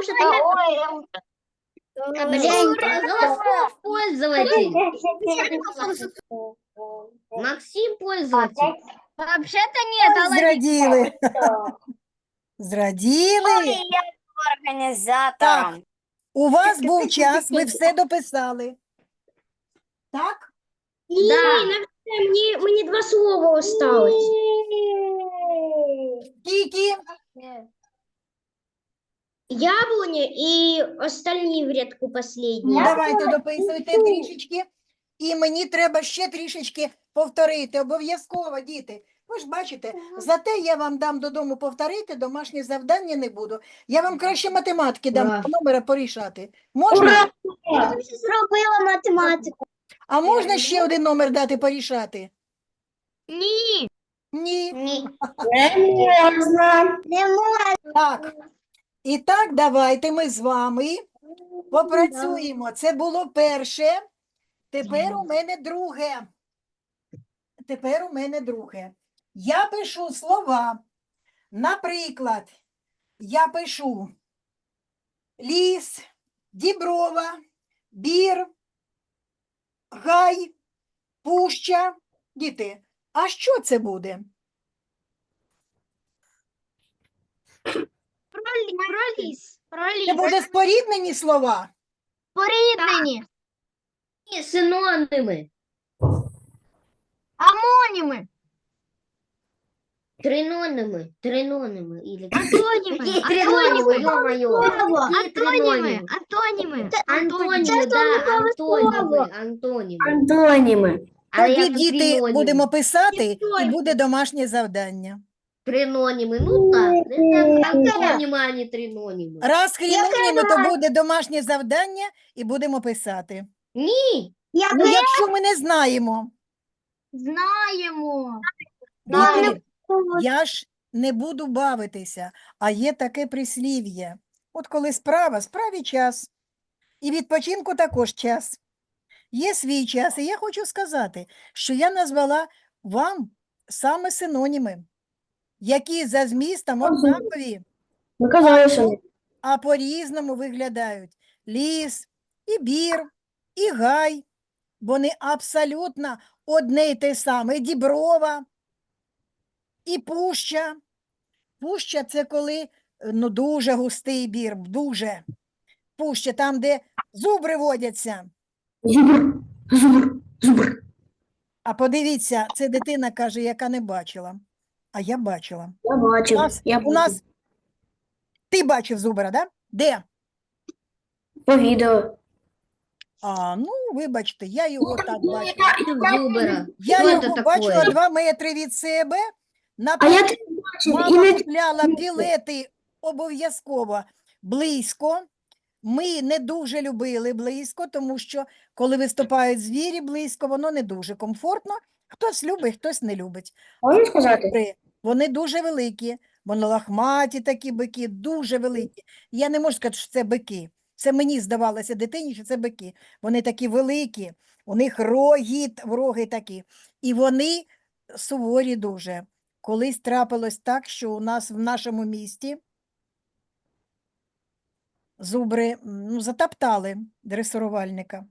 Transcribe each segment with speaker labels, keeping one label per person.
Speaker 1: может,
Speaker 2: Голосов пользователь. Максим пользователь.
Speaker 1: вообще-то нет,
Speaker 3: Ой, зраділи. Зраділи.
Speaker 4: Організатором.
Speaker 3: У вас був час, ви все дописали. Так?
Speaker 2: Да.
Speaker 1: Мне 2 слова осталось.
Speaker 3: Скільки?
Speaker 1: Яблоня и остальные в рядку последние.
Speaker 3: Ну, давайте дописуйте трішечки. І мені треба ще трішечки повторити. Обов'язково, діти. Ви ж бачите, зате я вам дам додому повторити, домашнє завдання не буду. Я вам краще математики дам
Speaker 2: Ура.
Speaker 3: по номера порішати. Можна?
Speaker 1: Я вже зробила математику.
Speaker 3: А можна ще один номер дати порішати?
Speaker 1: Ні.
Speaker 3: Ні.
Speaker 1: Не можна.
Speaker 3: Так. І так, давайте ми з вами попрацюємо. Це було перше. Тепер у мене друге. Я пишу слова. Наприклад, я пишу ліс, діброва, бір, гай, пуща. Діти, а що це буде? Це буде споріднені слова?
Speaker 1: Поріднені.
Speaker 2: Ні, синоніми.
Speaker 1: Амоніми.
Speaker 2: Триноніми. Или...
Speaker 1: Антоніми.
Speaker 2: Какие тринонимы, ё-моё? Какие тринонимы?
Speaker 1: Антоніми.
Speaker 2: Антонимы, да, антонимы.
Speaker 4: Антоніми.
Speaker 2: Але
Speaker 3: Тоді,
Speaker 2: як
Speaker 3: діти,
Speaker 2: триноніми?
Speaker 3: будемо писати, і
Speaker 1: Триноніми.
Speaker 3: буде домашнє завдання.
Speaker 2: Тринонимы, ну так, это антонимы, а не тринонимы.
Speaker 3: Раз хріноніми, то буде домашнє завдання, і будемо писати.
Speaker 2: Ні,
Speaker 3: Ну, якщо ми не знаємо,
Speaker 1: Знаємо.
Speaker 3: діти, я ж не буду бавитися, а є таке прислів'я. От коли справі час. І відпочинку також час. Є свій час, і я хочу сказати, що я назвала вам саме синоніми, які за змістом однакові,
Speaker 4: Ви казали, що
Speaker 3: а по-різному виглядають. Ліс, і бір, і гай. Вони абсолютно одне й те саме. І діброва, і пуща. Пуща – це коли ну, дуже густий бір, дуже. Пуща – там, де зубри водяться.
Speaker 4: зубр.
Speaker 3: А подивіться, це дитина каже, яка не бачила. А я бачила.
Speaker 4: Я бачив.
Speaker 3: У нас... Ти бачив зубра, да? Де?
Speaker 4: По відео.
Speaker 3: А, ну, вибачте, я його так бачила.
Speaker 2: зубра.
Speaker 3: Я
Speaker 2: Що
Speaker 3: його
Speaker 2: це
Speaker 3: бачила
Speaker 2: таке?
Speaker 3: 2 метри від себе.
Speaker 4: А я тебе бачив. І
Speaker 3: Мама
Speaker 4: не
Speaker 3: купляла білети обов'язково близько. Ми не дуже любили близько, тому що коли виступають звірі близько, воно не дуже комфортно. Хтось любить, хтось не любить.
Speaker 4: можу сказати?
Speaker 3: Зубри, вони дуже великі, вони лахматі такі бики, дуже великі. Я не можу сказати, що це бики. Це мені здавалося дитині, що це бики. Вони такі великі, у них роги такі. І вони суворі дуже. Колись трапилось так, що у нас в нашому місті зубри затоптали дресирувальника.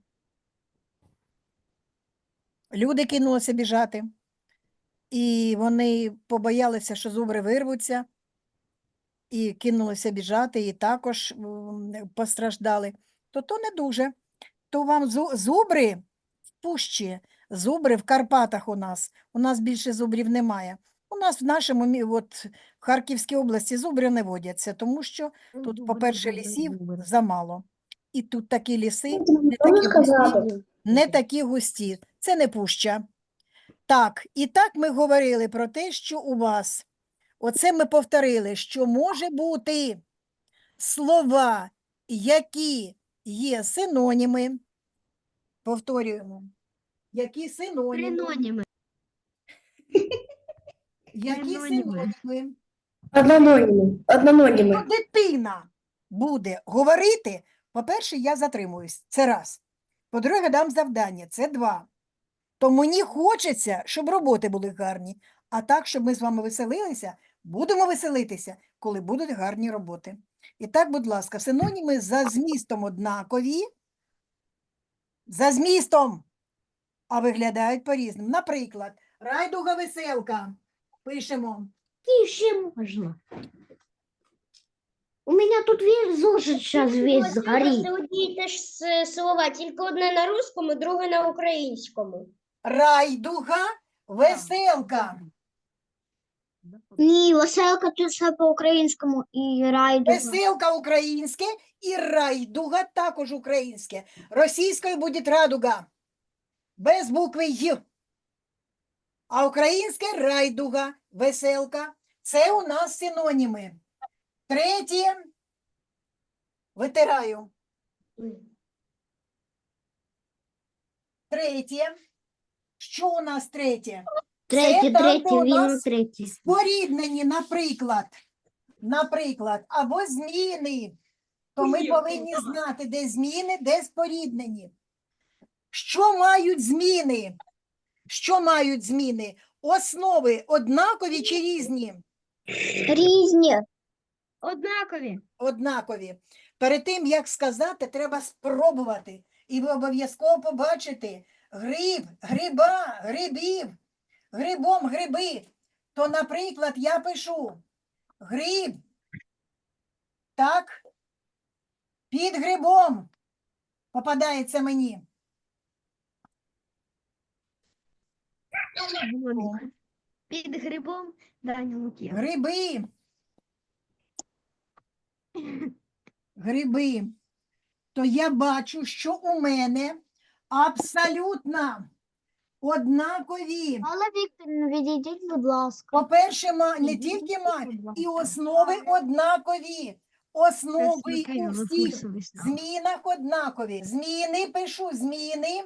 Speaker 3: Люди кинулися біжати. І вони побоялися, що зубри вирвуться, і кинулися біжати, і також постраждали. То не дуже. То вам зубри в пущі, зубри в Карпатах у нас. У нас більше зубрів немає. У нас в нашому, от, в Харківській області зубри не водяться, тому що тут, по-перше, лісів замало. І тут такі ліси не такі густі. Це не пуща. Так, і так ми говорили про те, що у вас, оце ми повторили, що може бути слова, які є синоніми, повторюємо, які синоніми, які синоніми.
Speaker 4: Однононіми.
Speaker 3: Якщо дитина буде говорити, по-перше, я затримуюсь, це раз. По-друге, дам завдання, це 2. То мені хочеться, щоб роботи були гарні. А так, щоб ми з вами веселилися, будемо веселитися, коли будуть гарні роботи. І так, будь ласка, синоніми за змістом однакові, за змістом, а виглядають по-різному. Наприклад, райдуга веселка. Пишемо.
Speaker 2: Тише можно. У меня тут весь зошит сейчас весь
Speaker 1: Це
Speaker 2: сгорит.
Speaker 1: одні і те ж слова, тільки одне на русскому, друге на українському.
Speaker 3: Райдуга веселка.
Speaker 1: Ні, веселка тут все по-українському і райдуга.
Speaker 3: Веселка українське і райдуга також українське. Російською буде радуга. Без букви Й. А українське райдуга, веселка. Це у нас синоніми. Третє. Витираю. Третє. Що у нас третє?
Speaker 2: Третий,
Speaker 3: там,
Speaker 2: третий,
Speaker 3: де у
Speaker 2: вину
Speaker 3: нас
Speaker 2: третий.
Speaker 3: Споріднені, наприклад, або зміни, то ми повинні знати, де зміни, де споріднені. Що мають зміни? Що мають зміни? Основи однакові чи різні?
Speaker 1: Різні. Однакові.
Speaker 3: Однакові. Перед тим, як сказати, треба спробувати. І ви обов'язково побачите гриб, гриба, грибів, грибом, гриби. То, наприклад, я пишу гриб, так, під грибом попадається мені.
Speaker 1: Під грибом Даня Лук'ян.
Speaker 3: Гриби. Гриби. То я бачу, що у мене абсолютно однакові.
Speaker 1: Але Вікторівна, відійдіть, будь ласка.
Speaker 3: По-перше, не тільки і основи однакові. Основи у всіх змінах однакові. Зміни, пишу зміни,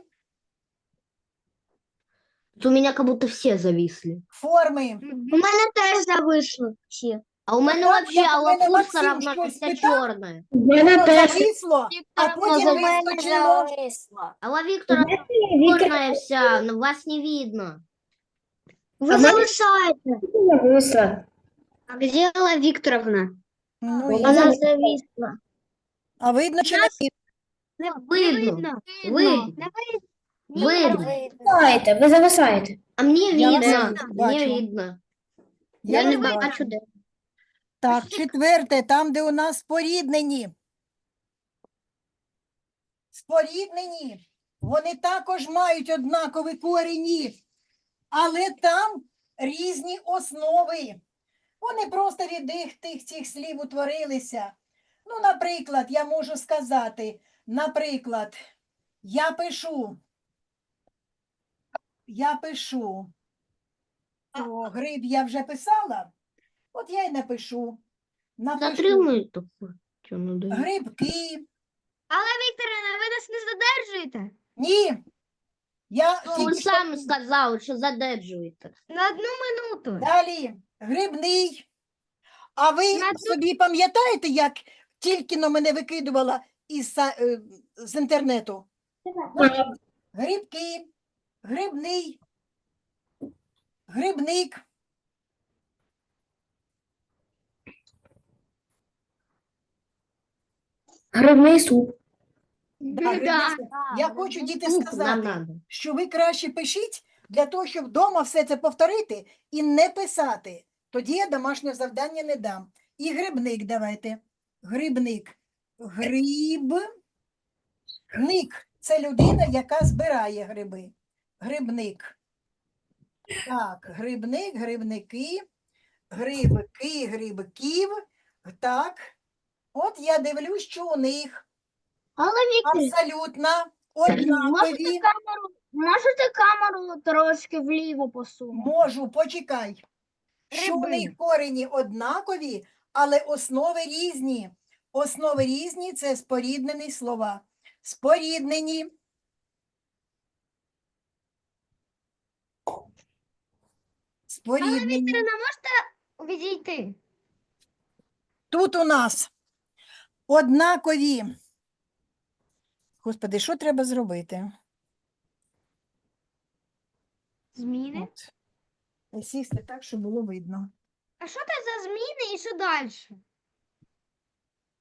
Speaker 2: У меня как будто все зависли.
Speaker 3: форми.
Speaker 1: У мене теж зависли всі.
Speaker 2: А у меня
Speaker 3: так,
Speaker 2: вообще
Speaker 3: як у мене
Speaker 2: лапушка
Speaker 3: Максим
Speaker 2: равна
Speaker 3: щось
Speaker 2: вся
Speaker 3: питав,
Speaker 2: черная.
Speaker 4: В мене теж.
Speaker 3: Зависло, а потім вискочило.
Speaker 2: А у Виктора черная вся, но вас не видно.
Speaker 1: Ви
Speaker 4: А
Speaker 1: зависаєте.
Speaker 4: зависла.
Speaker 1: А де Алла Вікторовна?
Speaker 3: Ну,
Speaker 4: Вона
Speaker 3: і-
Speaker 1: Вона зависла.
Speaker 3: а видно, чи не видно?
Speaker 2: Видно. Видно. Видно.
Speaker 4: Зависаєте, ви зависаєте.
Speaker 2: А мне
Speaker 3: Я вас
Speaker 2: видно.
Speaker 3: бачу.
Speaker 2: Мне видно.
Speaker 3: Я
Speaker 2: Я не
Speaker 3: вас
Speaker 2: бачу,
Speaker 3: бачу.
Speaker 2: де.
Speaker 3: Так, четверте, там, де у нас споріднені. Споріднені, вони також мають однакові корені, але там різні основи. Вони просто від цих слів утворилися. Ну, наприклад, я можу сказати, наприклад, я пишу, то гриб я вже писала, от я й напишу. Напишу
Speaker 2: Затримуй такое. Что надо?
Speaker 3: грибки.
Speaker 1: Вікторівна, ви нас не задержуєте?
Speaker 3: Ні. Я
Speaker 2: Ну,
Speaker 3: тільки
Speaker 2: ви
Speaker 3: що-
Speaker 2: самі сказали, що задержуєте.
Speaker 1: На одну минуту.
Speaker 3: Далі грибний. А ви собі пам'ятаєте, як тільки но мене викидувала з інтернету? Грибки, грибний, грибник.
Speaker 4: Грибний суп.
Speaker 3: Да, грибний суп. Я хочу, діти,
Speaker 2: Суп нам
Speaker 3: сказати,
Speaker 2: надо.
Speaker 3: що ви краще пишіть для того, щоб вдома все це повторити і не писати. Тоді я домашнє завдання не дам. І грибник давайте. Грибник. Грибник. Це людина, яка збирає гриби. Грибник. Так, грибник, грибники, грибки, грибків. Так. От я дивлюсь, що у них
Speaker 1: Алла Вікторівна,
Speaker 3: абсолютно однакові.
Speaker 1: можете камеру трошки вліво посунути?
Speaker 3: Можу, почекай. Що у
Speaker 1: Гриби.
Speaker 3: них корені однакові, але основи різні. Основи різні – це споріднені слова. Споріднені. Споріднені.
Speaker 1: можете відійти?
Speaker 3: Тут у нас однакові. Господи, що треба зробити?
Speaker 1: Зміни?
Speaker 3: От. Сісти так, щоб було видно.
Speaker 1: А що це за зміни і що далі?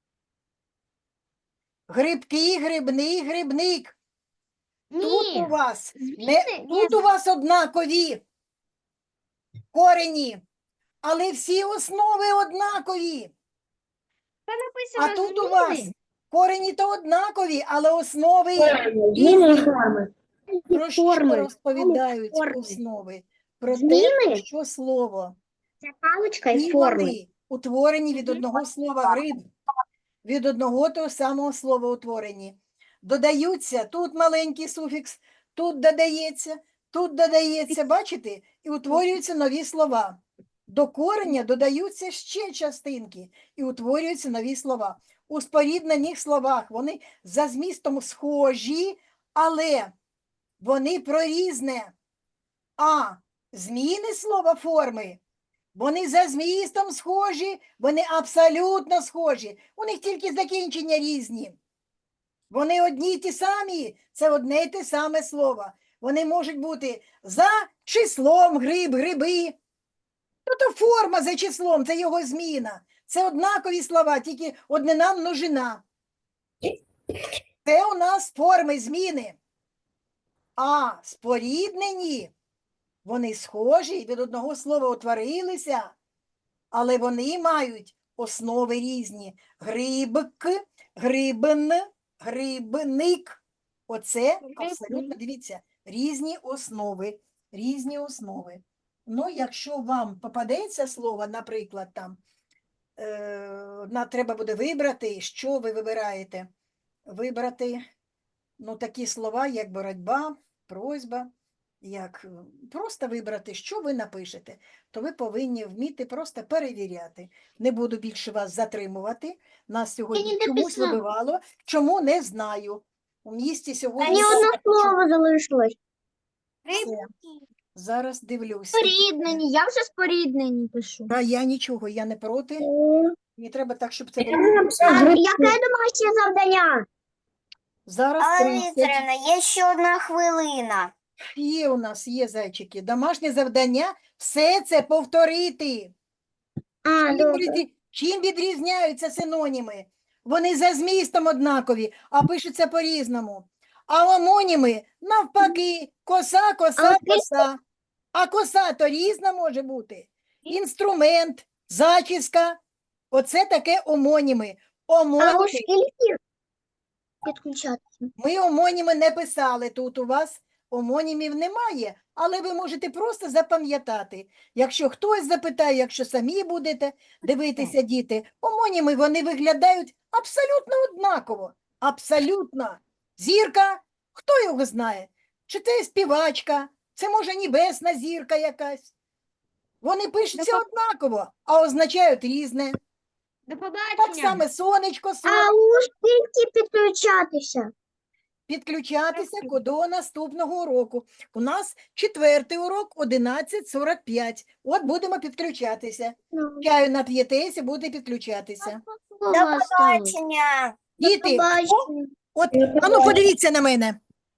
Speaker 3: Грибки, грибний, грибник. Тут у
Speaker 2: Ні.
Speaker 3: вас
Speaker 2: Зміни?
Speaker 3: тут у вас однакові корені, але всі основи однакові. А тут у вас корені то однакові, але основи
Speaker 4: Зміни і форми.
Speaker 3: про що
Speaker 2: форми.
Speaker 3: розповідають
Speaker 2: Форми.
Speaker 3: основи? Про те,
Speaker 2: Зміни?
Speaker 3: що слово.
Speaker 2: Це паличка
Speaker 3: І вони утворені від одного слова гриб, від одного того самого слова утворені. Додаються, тут маленький суфікс, тут додається, бачите? І утворюються нові слова. До кореня додаються ще частинки і утворюються нові слова. У споріднених словах вони за змістом схожі, але вони про різне. А зміни слова форми, вони за змістом схожі, вони абсолютно схожі. У них тільки закінчення різні. Вони одні й ті самі, це одне й те саме слово. Вони можуть бути за числом гриб, гриби. То форма за числом, це його зміна. Це однакові слова, тільки однина множина. Це у нас форми зміни. А споріднені, вони схожі, від одного слова утворилися, але вони мають основи різні. Грибк, грибн, грибник. Оце абсолютно, дивіться, різні основи, різні основи. Ну, якщо вам попадеться слово, наприклад, там, треба буде вибрати, що ви вибираєте. Вибрати, ну, такі слова, як боротьба, просьба, як просто вибрати, що ви напишете, то ви повинні вміти просто перевіряти. Не буду більше вас затримувати. Нас сьогодні
Speaker 2: не
Speaker 3: чомусь
Speaker 2: написала.
Speaker 3: вибивало, чому не знаю. У місті сьогодні...
Speaker 1: слово залишилось.
Speaker 3: Все. Зараз дивлюся.
Speaker 1: Споріднені, я вже споріднені пишу.
Speaker 3: Та я нічого, я не проти. Мені треба так, щоб це було.
Speaker 4: Я написав гриб.
Speaker 1: Яке домашнє завдання?
Speaker 3: Зараз
Speaker 5: Алла
Speaker 3: 30.
Speaker 5: Вікторівна, є ще одна хвилина.
Speaker 3: Є у нас, є зайчики. Домашнє завдання – все це повторити. Чим відрізняються синоніми? Вони за змістом однакові, а пишуться по-різному. А омоніми навпаки, коса, коса, коса. А коса то різна може бути. Інструмент, зачіска. Оце таке омоніми. Омоніми.
Speaker 1: скільки підключати?
Speaker 3: Ми омоніми не писали тут у вас. Омонімів немає, але ви можете просто запам'ятати. Якщо хтось запитає, якщо самі будете дивитися, діти, омоніми, вони виглядають абсолютно однаково. Абсолютно. Зірка, хто його знає? Чи це співачка, це може небесна зірка якась. Вони пишуться однаково, а означають різне.
Speaker 1: До
Speaker 3: Так
Speaker 1: побачення.
Speaker 3: само сонечко,
Speaker 1: А
Speaker 3: сонечко.
Speaker 1: у скільки підключатися?
Speaker 3: Підключатися до наступного уроку. У нас 4-й урок 11:45. От будемо підключатися. Чаю нап'єтеся, буде підключатися.
Speaker 5: До побачення.
Speaker 3: Діти, от, ану подивіться на мене.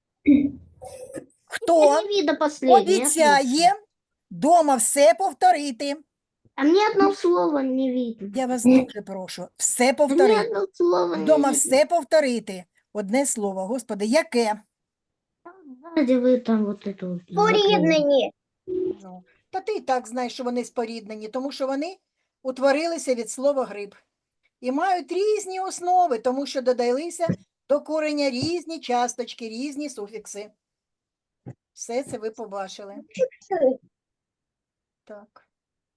Speaker 3: Хто
Speaker 2: Не видно последнее.
Speaker 3: обіцяє дома все повторити?
Speaker 2: А мне одно слово не видно.
Speaker 3: Я вас дуже прошу, все
Speaker 2: Мне
Speaker 3: повторити.
Speaker 2: одно слово не
Speaker 3: Дома
Speaker 2: видно.
Speaker 3: все повторити. Одне слово, Господи, яке?
Speaker 2: Сзади вы там вот это вот.
Speaker 1: Споріднені.
Speaker 3: Ну, та ти і так знаєш, що вони споріднені, тому що вони утворилися від слова гриб. І мають різні основи, тому що додалися до кореня різні часточки, різні суфікси. Все це ви побачили. Так.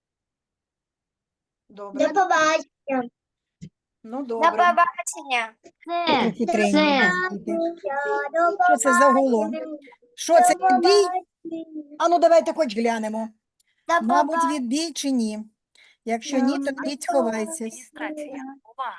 Speaker 3: Добре.
Speaker 1: До побачення.
Speaker 3: Ну,
Speaker 5: До
Speaker 3: добре.
Speaker 5: побачення.
Speaker 2: Це,
Speaker 3: Хитренькі
Speaker 2: це.
Speaker 3: діти. Що це за гуло? Що це, відбій? А ну, давайте хоч глянемо.
Speaker 5: До
Speaker 3: Мабуть, відбій чи ні? Якщо ні, то йдіть ховайтесь.
Speaker 5: побачення.